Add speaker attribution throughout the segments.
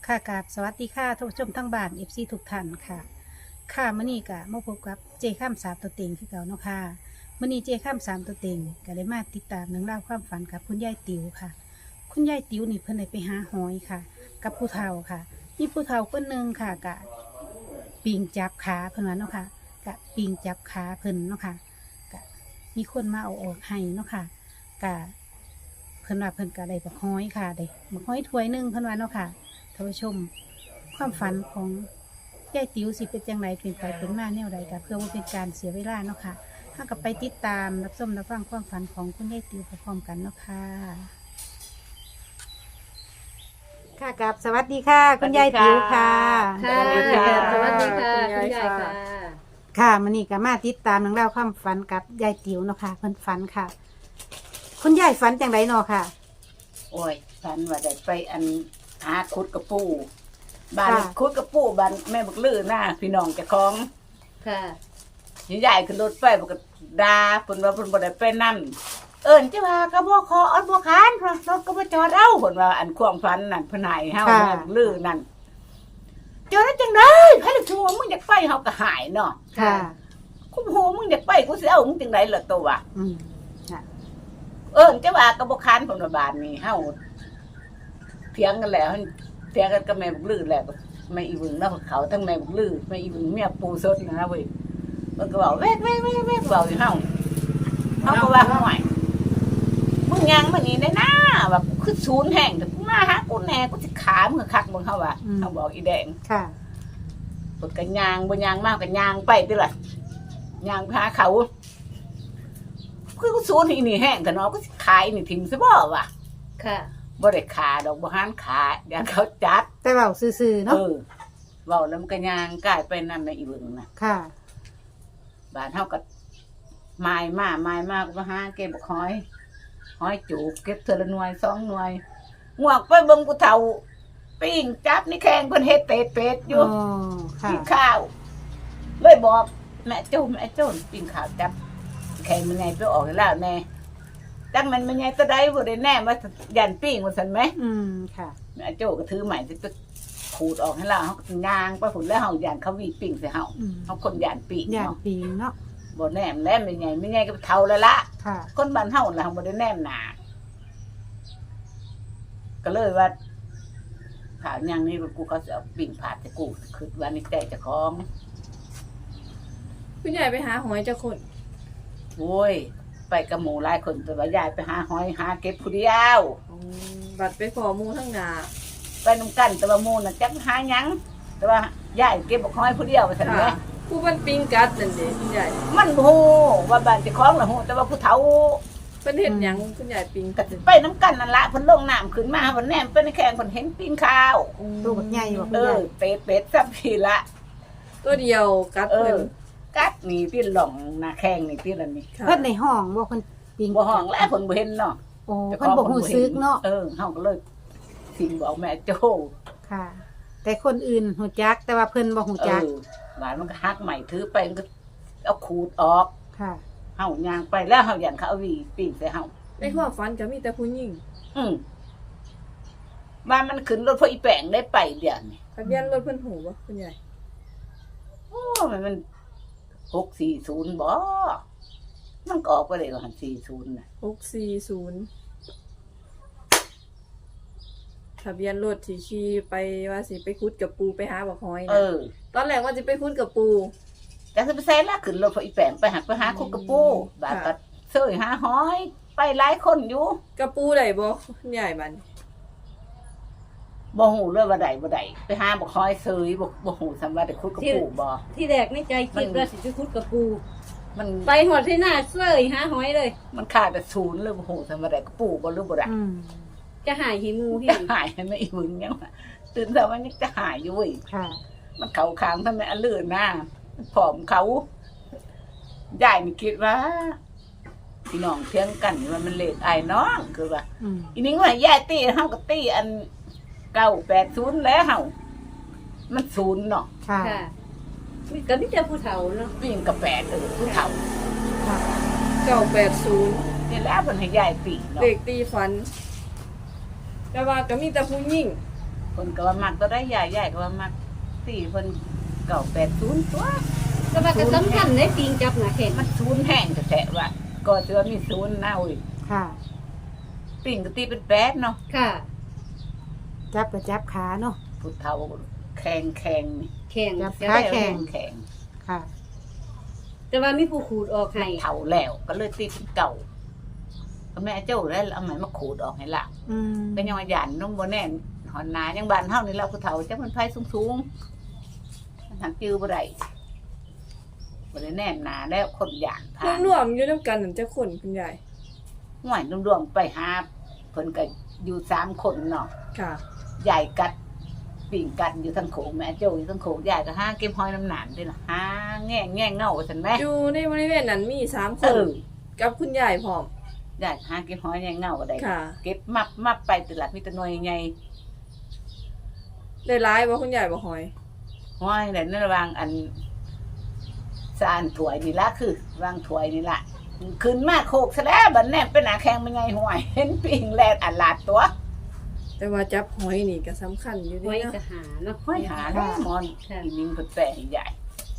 Speaker 1: ค่ะกราบสวัสดีค่ะทุกผู้ชมทั้งบ้านเอฟซีทุกท่านค่ะค่ะมื้อนี้ก็มาพบกับเจข้ามสามตัวเต็งคือเก่าเนาะค่ะมื้อนี้เจข้ามสามตัวเต็งก็ได้มาติดตามเรื่องราวความฝันกับคุณยายติ๋วค่ะ คุณยายติ๋วนี่เพิ่นได้ไปหาหอยค่ะ กับผู้เฒ่าค่ะมีผู้เฒ่าคนหนึ่งค่ะกะปิงจับขาเพิ่นว่าเนาะค่ะกะปิงจับขาเพิ่นเนาะค่ะกะมีคนมาเอาออกให้เนาะค่ะกะเพิ่นว่าเพิ่นก็ได้บักฮ้อยค่ะได้บักฮ้อยถ้วยหนึงเพิ่นว่าเนาะค่ะ ท่านผู้ชมความฝันของยายติ๋วสิเป็นจังไรเป็นไปเป็นมาแนวใดกับเพื่อว่าเป็นการเสียเวลาเนาะค่ะถ้ากับไปติดตามรับชมรับฟังความฝันของคุณยายติ๋วพร้อมๆกันเนาะค่ะค่ะกับสวัสดีค่ะ คุณยายติ๋วค่ะ
Speaker 2: ค่ะ
Speaker 3: สวัสดีค่ะ
Speaker 2: สวัสดีค่ะ
Speaker 3: คุ
Speaker 2: คุณ ณ
Speaker 3: ยาย
Speaker 2: ยาย
Speaker 3: ค่ะ
Speaker 2: ค่ะ
Speaker 1: ค่ะมันนี่ก็มาติดตามเรื่องราวความฝันกับยายติ๋วเนาะค่ะเพิ่นฝันค่ะ คุณยายฝันจังไรเนาะค่ะ
Speaker 3: โอ้ยฝันว่าได้ไปหาคุดกระปูบ้าน
Speaker 1: ค่ะ
Speaker 3: คุดกระปูบ้านแม่บักลือหน้าพี่น้องเจ้าของ
Speaker 2: ค่ะ
Speaker 3: ใหญ่ขึ้นรถไฟบักดาเพิ่นว่าเพิ่นบ่ได้ไปนั่นเอิ้นจ้าว่าก็บ่ขออันบ่คานเพราะรถก็บ่จอดเอาเพิ่นว่าอันความฝันนั่นเพิ่นให้เฮา
Speaker 1: ค่ะ
Speaker 3: แม่บักลือนั่นจอดได้จังได๋ไผล่ะชัวมึงอยากไปเฮาก็หายเนาะ
Speaker 1: ค่ะ
Speaker 3: กูโหมึงอยากไปกูสิเอามึงจังได๋ล่ะตัววะ
Speaker 1: อืมค่ะ
Speaker 3: เอิ้นจ้าว่าก็บ่คานเพิ่นว่าบ้านนี้เฮาเถียงกันแล้วเถียงกันกับแม่บักลือแล้วแม่อีวึงเนาะเขาทั้งแม่บักลือแม่อีวึงเมียปูสดนะเว้ยมันก็บอกแวกบอกอยู่เฮาก็ว่าห่วยมึงยังมานี่ได้นะแบบคือศูนย์แห่งแต่กูมาหากูแน่กูสิขามึงคักมึงเฮาว่าเฮาบอกอีแดง
Speaker 1: ค่ะ
Speaker 3: ปดกันยางบ่ยางมากกันยางไปติล่ะยางไปหาเขาคือกูศูนย์อีนี่แห้งแต่เนาะกูสิขายนี่ทิ่มซะบ่วะ
Speaker 2: ค่ะ
Speaker 3: บ่ได้ขาดอกบ่หันขาอย่างเขาจัด
Speaker 1: แต่เบาซื่อๆเนาะ
Speaker 3: เว้าแล้วมันก็ยางกลายไปนั่นน่ะอีเบิ่งน่ะ
Speaker 1: ค่ะ
Speaker 3: บ้านเฮาก็ไม้มาก็มาหาเก็บบักหอยจูบเก็บเทื่อละหน่วย2หน่วยงวกไปเบิ่งผู้เฒ่าปิ้งจับนี่แข้งเพิ่นเฮ็ดเป็ดอยู่
Speaker 1: อ๋อค่ะ
Speaker 3: กินข้าว เลยบอกแม่โจ้ปิ้งข้าวจับแข้งมันไงไปออกแล้วแน่จังมันไงตัวใดบ่ได้แน่ว่ายันปิ้งว่าซั่นไหม
Speaker 1: อืมค่ะ
Speaker 3: แม่โจ้ก็ถือใหม่สิไปขูดออกให้เราเฮาก็ย่างไปพุ่นแล้วเฮาย่านเขาวีปิ้งใส่เฮา
Speaker 1: อืม
Speaker 3: เฮาคนย่านปิ้ง
Speaker 1: ย่าน
Speaker 3: เนาะ
Speaker 1: ปีงเนาะ
Speaker 3: บ่แนมแล้วไม่ไงก็เฒ่าแล้วละ
Speaker 1: ค่ะ
Speaker 3: คนบ้านเฮาล่ะบ่ได้แนมหน้าก็เลยว่าข่าวอย่างนี้กูเขาสิเอาปิ้งผาดให้กูคิดว่านี่ใจเจ้าของ
Speaker 2: คุณยายไปหาหอยเจ้าคน
Speaker 3: โอ้ยไปกับหมู่หลายคนแต่ว่ายายไปหาหอยหาเก็บผู้เดียว
Speaker 2: บัดไปขอหมูทั้งหนา
Speaker 3: ไปนำกันแต่ว่าหมู่น่ะจักหาหยังแต่ว่ายายเก็บบักหอยผู้เดียวไปซั่นแห
Speaker 2: ค่ะ
Speaker 3: ละ
Speaker 2: ผู้มันปิงกัดนั่นเด้คุณยาย
Speaker 3: มันบ่ฮู้ว่าบ้านเจ้าของน่ะฮู้แต่ว่าผู้เฒ่า
Speaker 2: เพิ่นเห็นหยังคุณยายปิง
Speaker 3: ก็สิไปนํกันนั่นล่ะเพิ่นลงน้ำขึ้นมาเพิ่นแนมไปในแข้งเพิ่นเห็นปีนข้าว
Speaker 1: ตัวบักใหญ่บ่คุณ
Speaker 3: เอย
Speaker 1: า
Speaker 3: อย เป็ดซับพี่ละ
Speaker 2: ตัวเดียวกัด
Speaker 3: เอ
Speaker 2: เพิ่
Speaker 3: อน กัดนี่ที่หล่องหน้าแข้งนี่ที่ละนี่
Speaker 2: ค่ะ
Speaker 1: เพิ่นในห้องบ่เพิ่นปิง
Speaker 3: บ่ห้องแล้วเพิ่นบ่เห็นเนาะ
Speaker 1: โอ้เพิ่นบ่ฮู้ซึกเนาะ
Speaker 3: เฮาก็เลยสิ่งบอกแม่โจ้
Speaker 1: ค่ะ แต่คนอื่นฮู้จักแต่ว่าเพิ่นบ่ฮู้จัก
Speaker 3: หลานมันก็ฮักใหม่ถือไปมันก็เอาขูดออก
Speaker 1: ค่ะ
Speaker 3: เฮาย่างไปแล้วเฮายันเขาเอาหวีปิ้งใส่เฮา
Speaker 2: ในความฝันก็มีแต่ผู้หญิง
Speaker 3: อืมว่ามันขึ้นรถพออีแป้งได้ไปเดี๋ยวนี้
Speaker 2: ทะเบียนรถเพิ่นหูบ่คุณยาย
Speaker 3: โอ้มัน640บ่มันก็ออกไปเลยว่าหัน40น่ะ
Speaker 2: 640ทะเบียนรถที่ขี่ไปว่าสิไปขุดกับปูไปหาบักหอย
Speaker 3: เอ
Speaker 2: นะ
Speaker 3: อ
Speaker 2: ตอนแรกว่าสิไปขุดกับปู
Speaker 3: แต่สิไปใส่ละขึ้นรถพออีแป้งไปหักไปหาคุกกระปูบาดก็เสยหาหอย ไปหลายคนอยู่
Speaker 2: กับปูได้บ่คุณยายมัน
Speaker 3: บ่ฮู้เลยว่าใดบ่ได้ไปหาบ่คอยเสยบ่ฮู้สำว่าได้คุกกระปูบ่
Speaker 4: ที่แรกในใจคิดว่าสิจะคุดกับปู
Speaker 3: มัน
Speaker 4: ไปหอดที่หน้าเสยหาหอยเลย
Speaker 3: มันขาดแต่ศูนย์เลยบ่ฮู้สำว่าได้กระปูบ่หรือบ่ได้
Speaker 1: อืม
Speaker 4: จะหายหิมูหิ
Speaker 3: จะหายให้แม่อีมึงยังว่าตื่นเช้ามันยังจะหายอยู่เว้ย
Speaker 1: ค่ะ
Speaker 3: มันเข้าข้างทำไมอันลื่นหน้าผอมเขายายนี่คิดว่าพี่น้องเถียงกันว่ามันเลขอ้ายน้องคือว่า
Speaker 1: อืม
Speaker 3: อีนี่ว่ายายตีเฮาก็ตีอัน980แล้วเฮามันศูนย์เนาะ
Speaker 1: ค่ะ
Speaker 4: ค่ะมีก็มีแต่ผู้เฒ่าเนาะ
Speaker 3: วิ่งกับ8ผู้เฒ่า
Speaker 1: ค่ะ
Speaker 2: 980
Speaker 3: นี่แหล้วเพิ่นให้ยายตีเนาะ
Speaker 2: เลขตีฝัน แต่ว่าก็มีแต่ผู้หญิง
Speaker 3: คนก็ว่ามักตัวได้ใหญ่ก็ว่ามักตีเพิ่น980ตัว
Speaker 4: แต่ว่าก็สำคัญในปิงจับหนาแข็ง
Speaker 3: มันศูนย์แห้งแท้ๆว่าก็สิว่ามีศูนย์นะอุ้ย
Speaker 1: ค่ะ
Speaker 3: ปิ่งก็ตีเป็น8เนาะ
Speaker 4: ค่ะ
Speaker 1: จับก็จับขาเนาะ
Speaker 3: ผู้เฒ่าแข็งนี่
Speaker 4: แข็ง
Speaker 1: จับ
Speaker 3: จะ
Speaker 1: ขา
Speaker 3: ได้
Speaker 1: แข็ง
Speaker 3: แข็ง
Speaker 1: ค่ะ
Speaker 4: แต่ว่ามีผู้ขูดออกให้
Speaker 3: เฒ่าแล้วก็เลยตีเป็นเก่าก็แม่เจ้าได้เอาไหมมาขูดออกให้ล่ะ
Speaker 1: อืม
Speaker 3: เป็นยังว่าหยันน้องบ่แน่นหอนนายังบ้านเฮานี่เราผู้เฒ่าจักมันไผสูงๆมันหักจื้อบ่ได้บ่ได้แน่นหนาแล้วคนหยานผ่าน
Speaker 2: รวมๆอยู่นำกันนั่นจะคนคุณยาย
Speaker 3: ห่วยรวมๆไปหาเพิ่นก็อยู่3คนเนาะ
Speaker 2: ค่ะ
Speaker 3: ใหญ่กัดปิ่งกัดอยู่ทั้งโขงแม่โจ้อยู่ทั้งโขงใหญ่ก็หาเก็บหอยน้ำหนานด้วยล่ะหาแง่เงาซั่นแม่
Speaker 2: อยู่ในบริเวณนั้นมี3ค
Speaker 3: เอน อ
Speaker 2: กับคุณยายพร้อม
Speaker 3: ใหญ่หาเก็บหอยแง่เงาก็ได้
Speaker 2: ค่ะ
Speaker 3: เก็บมับไปตลาดมีแต่หน่วยใหญ่
Speaker 2: ได้ร้ายบ่คุณยายบ่หอย
Speaker 3: หอยนั่นในระหว่างอันสานถวยนี่ละคือวางถวยนี่ละขึ้นมาโคกซะแล้วบัดแนบเป็นหน้าแข้งมันใหญ่ห่วย เห็นปิ่งแลดอันลาดตัว
Speaker 2: แต่ว่าจับหอยนี่ก็สำคัญอยู่
Speaker 4: ไว้
Speaker 2: เด้เนาะ
Speaker 4: ก็หาเนาะ
Speaker 3: ห้อยหาได้มอนอีนิ่งเพิ่นแปะให้ใหญ่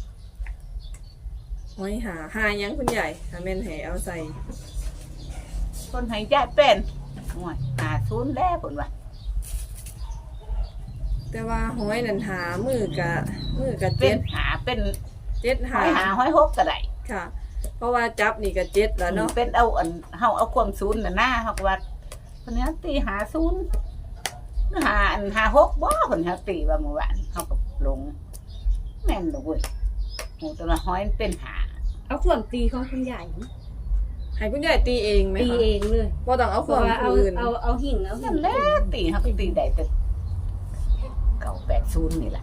Speaker 2: หอยหาหยังคุณยายถ้าแม่นให้เอาใส่
Speaker 3: คนให้ใหญ่เป็นห่วยหาศูนย์แล้วเพิ่นว่า
Speaker 2: แต่ว่าหอยนั่นหามือกะ
Speaker 3: เป็นหาเป็น
Speaker 2: 7
Speaker 3: หอยหาหอยหกก็ได้
Speaker 2: ค่ะ เพราะว่าจับนี่ก็7แล้วเนาะ
Speaker 3: เป็นเอาอันเฮาเอาความศูนย์น่ะหน้าเฮาก็ว่าเพิ่นเนี้ยตีหาศูนย์หาอันหาหกบ่เพิ่นเฮาตีว่าเมื่อวานเฮาก็ลงแม่นดอกเว้ยโหแต่ว่าหอยมันเป็นหา
Speaker 4: เอาความตีของคุณยาย
Speaker 2: ให้คุณยายตีเองไหม
Speaker 4: ตี
Speaker 2: คะ
Speaker 4: เองเลย
Speaker 2: บ่ต้องเอา
Speaker 4: เพ
Speaker 2: ควา
Speaker 4: ราะ
Speaker 2: ม
Speaker 4: ว่าเอา
Speaker 2: อื่น
Speaker 4: เอาหิ่งเอาหิ่
Speaker 3: นั่
Speaker 4: ง
Speaker 3: นแหละตีเฮาก็ตีได้แต่980นี่แหละ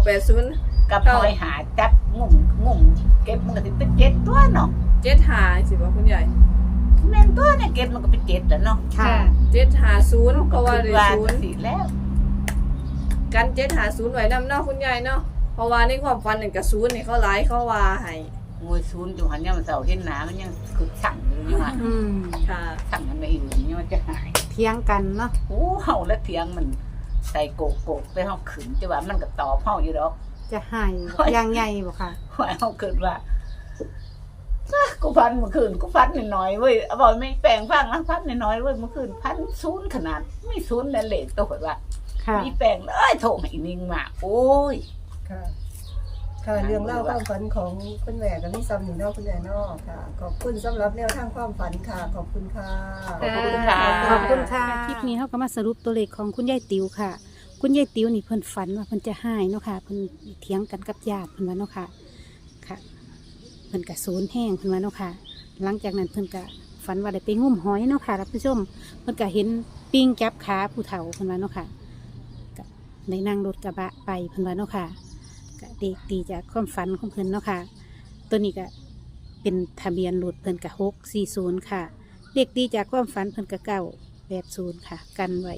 Speaker 2: 980
Speaker 3: กับหอยหาจับงุ่มเก็บมันก็สิเป็น7ตัวเนาะ
Speaker 2: 7หาสิบ่คุณยาย
Speaker 3: แม่นตัวเนี่ยเก็บมันก็เป็น7แล้วเนาะ
Speaker 1: ค่ะ
Speaker 2: 750เพราะว่าได้
Speaker 3: ว่า
Speaker 2: ศูนย์
Speaker 3: สิแล้ว
Speaker 2: กัน750ไว้นำเนาะคุณยายเนาะเพราะว่าในความฝันนั่นก็ศูนย์นี่เขาหลายเขาว่าให้
Speaker 3: โอ้ยศูนย์อยู่หันยามเสาร์เห็นหนามันยังคือสั่งอยู่นี่ว่า
Speaker 1: อืม
Speaker 2: ค่ะ
Speaker 3: สั่งมันไม่อื่นนี่มันจะหาย
Speaker 1: เถียงกันเนาะ
Speaker 3: โอ้เฮาและเถียงมันใส่โกกไปเฮาขึ้นจะว่ามันก็ตอบเฮาอยู่ดอก
Speaker 1: จะให้อย่างใหญ่บ่ค่ะ
Speaker 3: ว่าเฮาเกิดว่ากูพันเมื่อคืนกูพันน้อยๆเว้ยเอาบอกไม่แปลงฟังนะพันน้อยๆเว้ยเมื่อคืนพันศูนย์ขนาดไม่ศูนย์แล้วเลขตัวว่า
Speaker 1: ค่ะ
Speaker 3: มีแปลงเลยโทรให้อีนิ่งมาโอ้ย
Speaker 5: ค่ะ ค่ะ เรื่องเล่าความฝันของคุณแม่กับนี่ซ้ำหนึ่งเนอกคุณแม่เนอกค่ะ ขอบคุณสำหรับแนวทางความฝันค่ะ ขอบคุณค่ะ
Speaker 3: ขอบคุณค่ะ
Speaker 1: ขอบคุณค่ะ คลิปนี้เขาก็มาสรุปตัวเลขของคุณยายติ๋วค่ะ คุณยายติ๋วนี่เพิ่นฝันว่าเพิ่นจะหายเนาะค่ะ เพิ่นเถียงกันกับญาติเพิ่นว่าเนาะค่ะ ค่ะ เพิ่นก็สูญแห้งเพิ่นว่าเนาะค่ะ หลังจากนั้นเพิ่นก็ฝันว่าได้ไปงุ่มหอยเนาะค่ะท่านผู้ชม เพิ่นก็เห็นปิ้งจับขาผู้เฒ่าเพิ่นว่าเนาะค่ะก็ได้นั่งรถกระบะไปเพิ่นว่าเนาะค่ะก็เด็กดีจากความฝันของเพิ่นเนาะค่ะ ตัวนี้ก็เป็นทะเบียนรถเพิ่นก็640ค่ะ เด็กดีจากความฝันเพิ่นก็980ค่ะ กันไว้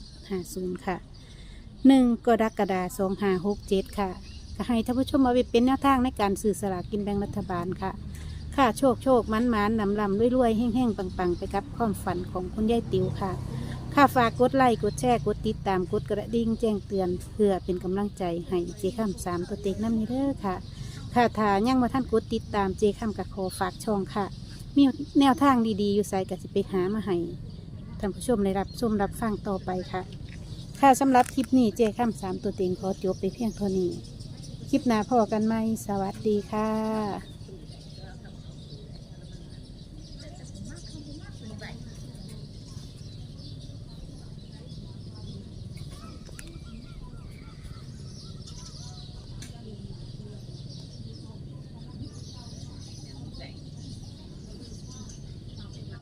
Speaker 1: 750ค่ะ1กรกฎาคม2567ค่ะก็ให้ท่านผู้ชมเอาไปเป็นแนวทางในการซื้อสลากกินแบ่งรัฐบาลค่ะ ค่ะโชคมันลำรวยแห้งปังไปกับความฝันของคุณยายติ๋วค่ะ ค่ะฝากกดไลค์กดแชร์กดติดตามกดกระดิ่งแจ้งเตือนเพื่อเป็นกำลังใจให้เจค่ำ3ตัวเต็งน้ำนี้เด้อค่ะ ค่ะถ้ายังมาท่านกดติดตามเจค่ำกับขอฝากช่องค่ะ มีแนวทางดีๆอยู่ใส่กับสิไปหามาให้ท่านผู้ชมได้รับชมรับฟังต่อไปค่ะ ค่ะสำหรับคลิปนี้เจค่ำ3ตัวเต็งขอจบไปเพียงเท่านี้ คลิปหน้าพอกันไหมสวัสดีค่ะ